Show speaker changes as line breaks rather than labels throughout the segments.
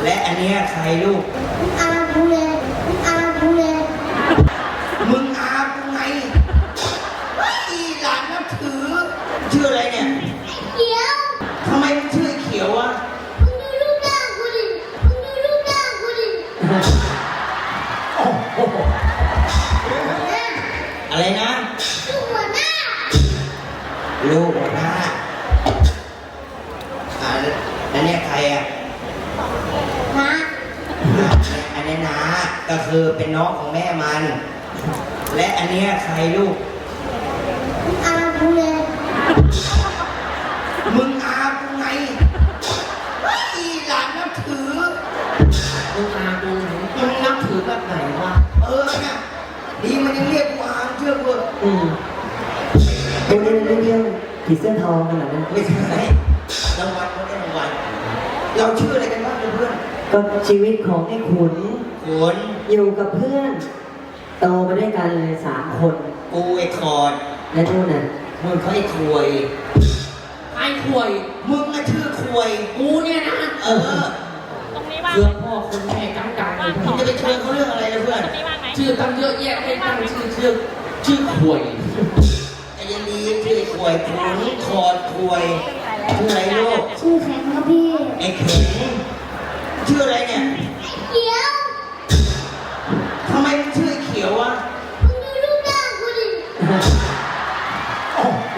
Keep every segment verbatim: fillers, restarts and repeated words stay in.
และอันนี้ใครลูก
อากูเลยอากูเลย
มึงอากูไงอีหลานนับถือชื่ออะไรเนี่ย
เขียว
ทำไมมึงชื่อเขียวอ่ะ
มึงดูรูปหน้ากูดิมึงดูรูปหน้ากูดิ
โอ้โหอะไรนะ
ลูกหัวหน้า
ลูกหัวหน้าอ่าแล้วเนี่ยใครอ่ะ
นะ
อันนี้นะก็คือเป็นน้องของแม่มันและอันนี้ใครลูก
อากูเลย
มึงอากูไงอีหลานนับถือ
มึงอากูมึงนับถือแบบไหนวะ
เออเนี่ยดีมันยังเรียกกูอาเชื่อกู
อืมเป็นเรื่องเรื่องผีเสื้อทองขนาดนั้น
ไม่ใช่รางวัลเขาได้รางวัลเราชื่ออะไรกันบ้างเพื่อน
ก็ชีวิตของไอ้ขุน
ขุน
อยู่กับเพื่อนโตมาด้วยกันเลยสามคน
กูไอ้คอร์ด
และนู่นน่ะ
มึงเขาไอ้ควย
ไอ้ควย
มึงน่ะชื่อควย
กูเนี่ยนะ
เออ
ตรงนี้ว่าง
เพื่อพ่อคนแม่จังจังเลย
มึงจะไปเชิญเขาเรื่องอะไรนะเพื่อน
ชื่อตั้งเยอะแยะให้ตั้งชื่อชื่อชื่อควย
ไอ้ยันดีชื่อควยขุนคอร์ดควยชื่ออะไรลูก
ชื่อแข็งครับพี่
ไอ้เข็งชื่ออะไรเนี่ย
เขียว
ทำไมมึงชื่อเขียวอ่ะ
มึงดูรูปหน้ากูดิ
โอ้โห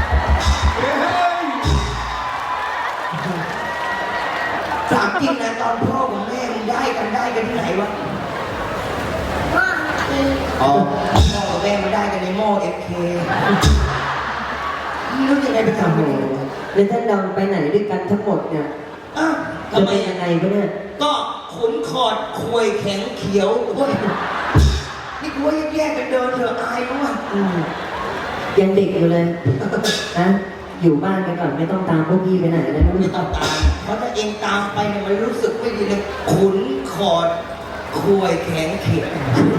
ถามจริงนะตอนพ่อกับแม่มึงได้กันได้กันที่ไหนวะ
พ่อเอ
อ๋อพ่อกับแม่มันได้กันในหม้อเอฟเครู้ยังไงไปทำอะไร
แล้วท่านเราไปไหนด้วยกันทั้งหมดเนี่ย
อ้าว
จะไปยังไงก็เนี่ย
ก็ขุนคอดควยแข็งเขียวโอ้ยนี่กูว่าแยกกันเดินเถอะอายมั้ง
ยังเด็กอยู่เลยนะอยู่บ้านไปก่อนไม่ต้องตามพวกพี่ไปไหนนะ
ไม่ต้องตามเพราะถ้าเองตามไปเนี่ยมันรู้สึกไม่ดีเลยขุนคอดควยแข็งเขียว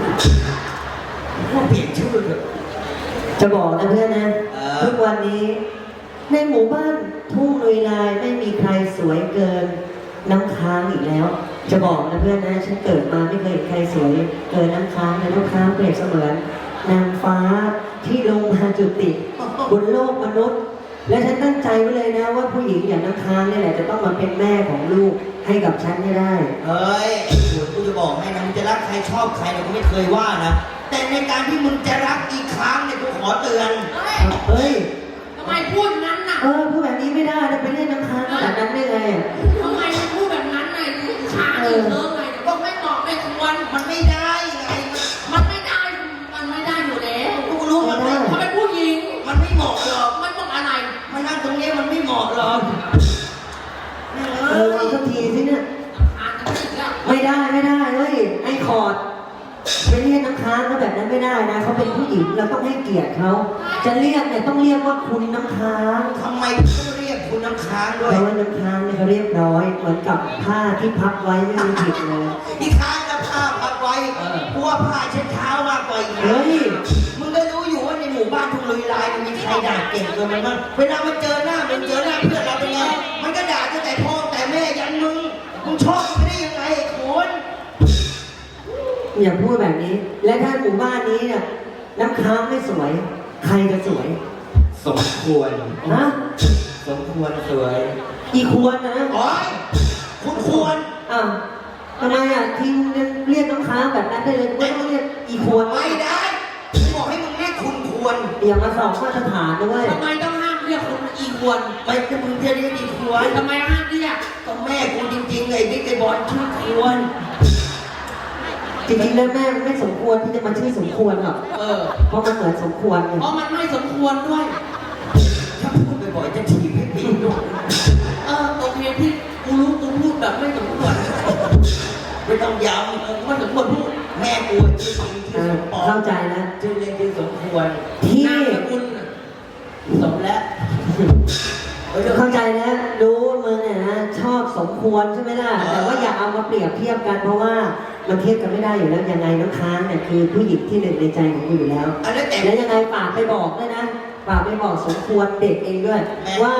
ว่าเปลี่ยนชื่อเถอะ
จะบอกนะเพื่อนนะทุกวันนี้ในหมู่บ้านทุ่งลุยลายไม่มีใครสวยเกินน้ำค้างอีกแล้วจะบอกนะเพื่อนนะฉันเกิดมาไม่เคยเห็นใครสวยเกินน้ำค้างนะน้ำค้างเปรียบเสมือนนางฟ้าที่ลงมาจุติบนโลกมนุษย์และฉันตั้งใจไว้เลยนะว่าผู้หญิงอย่างน้ำค้างนี่แหละจะต้องมาเป็นแม่ของลูกให้กับฉันให้ได้
เฮ้ยไอ้ขุนกูจะบอกให้นะมึงจะรักใครชอบใครเนี่ยกูไม่เคยว่านะแต่ในการที่มึงจะรักอีกครั้งเนี่ยกูขอเตือน
เฮ้ย
ทำไมพูดนั้นน่ะ
เออพูดแบบนี้ไม่ได้นะไปเล่นน้ำค้างขนาดนั้นได้ไง
ทำไมพูดแบบนั้นไงช้าเออไงก็ไม่เหมาะไม่ควร
มันไม่ได้ไง
มันไม่ได้มันไม่ได้อยู่แล้ว
กูรู้มันไม่
มันเป็นผู้หญิง
มันไม่เหมาะหรอก
มันต้องอะไร
มันนั่งตรงนี้มันไม่เหมาะหรอก
เออสักทีสิเนี่ยไม่ได้ไม่ได้เฮ้ยไอ้คอร์ดไปเรียกน้ำค้างเขาแบบนั้นไม่ได้นะเขาเป็นผู้หญิงเราต้องให้เกียรติเขาจะเรียกเนี่ยต้องเรียกว่าคุณน้ำค้าง
ทำไมต้องเรียกคุณน้ำค้างด้วย
เพราะว่าน้ำค้างเนี่ยเขาเรียบร้อยเหมือนกับผ้าที่พับไว้ไม่มีผิดเลย
ที่ค้างกับผ้าพับไว้กลัวผ้าเช็ดเท้ามากกว่าอีก
เฮ้ย
มึงก็รู้อยู่ว่าในหมู่บ้านทุ่งลุยลายมันมีใครด่าเก่งเกินไปมั้งเวลามันเจอหน้ามันเจอหน้าเพื่อนเราเป็นไงมันก็ด่าตั้งแต่พ่อแต่แม่ยันมึงมึงชอบมันได้ยังไงคุณ
อย่าพูดแบบนี้และถ้าหมู่บ้านนี้เนี่ยน้ำค้างไม่สวยใครจะสวย
สมควร
นะ
สมควรสวย
อีควรนะ
อ๋อคุณควร
อ้าวทำไมอ่ะทิ้งเรียกน้ำค้างแบบนั้นได้เลยไม่ต้องเรียกอีควร
ไม่ได้บอกให้มึงเรียกคุณควร
อย่ามาสอบมาตรฐานด้วย
ทำไมต้องห้ามเรียกคุณอีควร
ไม่จะมึงจะเรียกอีควร
ทำไมห้ามเรียก
ก็แม่กูจริงๆไงบิ๊กไอ้บอลชื่อควร
จริงๆแล้วแม่ไม่สมควรที่จะมาชื่อสมควรหรอก
เออ
เพราะมันเหมือนสมควร
เพราะมันไม่สมควรด้วย
ถ้าพูดบ่อยๆจะถีบให้ปีนด้วย
เออโอเคพี่กูรู้กูพูดแบบไม่สมควร
ไม่ต้องย้ำ
เออว่าสมควรพูด
แม่กูชื่อจริงชื่อสมปอง
เข้าใจนะ
ชื่อเรียนชื่อสมควร
ที่
คุณสมแล้ว
เข้าใจแล้วรู้ว่ามึงเนี่ยนะชอบสมควรใช่ไหมล่ะแต่ว่าอย่าเอามาเปรียบเทียบกันเพราะว่ามันเทียบกันไม่ได้อยู่แล้วยังไงน้ำค้างเนี่ยคือผู้หญิงที่หนึ่งในใจของกูอยู่แล้วแล้วยังไงฝากไปบอกด้วยนะฝากไปบอกสมควรเด็กเองด้วยว่า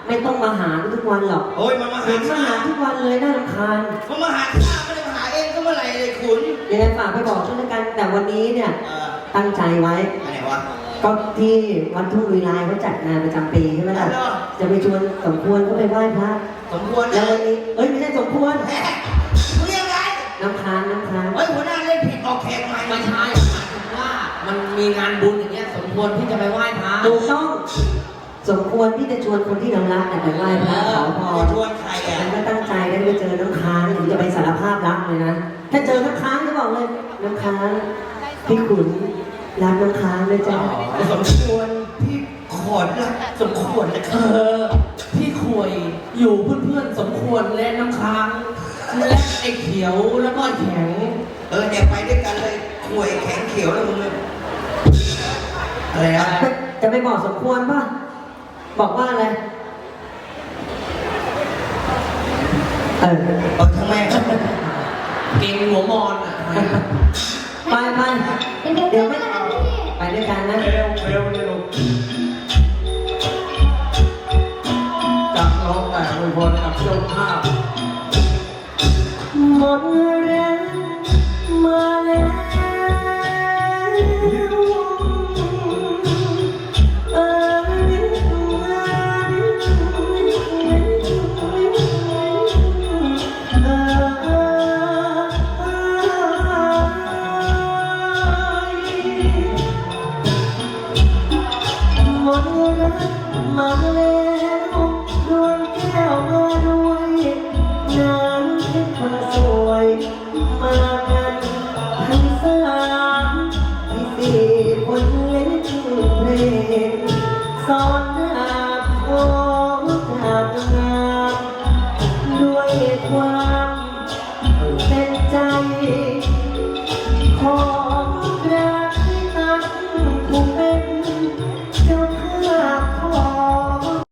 ไม่ต้องมาหาทุกวันหรอก
โอ้ยมันมา
เห็
หาน
มาหาทุกวันเลยน่ารำคาญ
มันมาหาข้าไม่ได้มาหาเองก็เมื่อไหร่เลยขุน
ยังไงฝากไปบอกด้วยละกันแต่วันนี้เนี่ย
เออ
ตั้งใจไว้
อันไหนวะ
ก็ที่วัดทุ่งลุยลายเขาจัดงานประจำปีใช่ไหมล่ะ
เหรอ
จะไปชวนสมควรก็ไปไหว้พระ
สมควร
แล้ว
นะ
วันนี้เอ้ยไม่ใช่สมควร
แหมมึงยังไง
น้ำค้างน้ำค้าง
เฮ้ยหัวหน้าเล่นผิดออกแขกใหม่
ไม่ใช่หมายถึงว่ามันมีงานบุญอย่างเงี้ยสมควรที่จะไปไหว้พระ
ถูกต้องสมควรที่จะชวนคนที่เรารักเนี่ยไปไหว้พระขอพ
จะ
ร
ชวนใครอ่ะ
ฉันก็ตั้งใจได้ไปเจอน้ำค้างถึงจะไปสารภาพรักเลยนะถ้าเจอน้ำค้างจะบอกเลยน้ำค้างพี่ขุนรักน้ำค้างเลยจ้ะ
สมควรพี่ขอดละสมควรนะค
เอ
รับ
อพี่ขวยอยู่เพื่อนๆสมควรและน้ำค้างและไอ้เขียวแล้วก็แข็ง
เออเนี่ยไปด้วยกันเลยขวยแข็งเขียวแล้วมึงเลยอะไรนะ
จะจะไปบอกสมควรป่ะบอกว่าอะไรเออ
เออทำไมครับ
เก่งหัวมอนอ่ะ
ไปไป
เป็นเด็ก
เดี๋ยว
ไม่
ไม่
ได้พี่
ไปด้วยกันนะ
เร็วเร็วเร็วจากร้องแต่อวยพรกับเจ้าภาพ
หมดแรงมาแล้วเออหมดรักมาแล้วดวงแก้วมาด้วยน้ำเพชรคนสวยมากันทั้งสามที่สี่คนเล่นเพลงสอน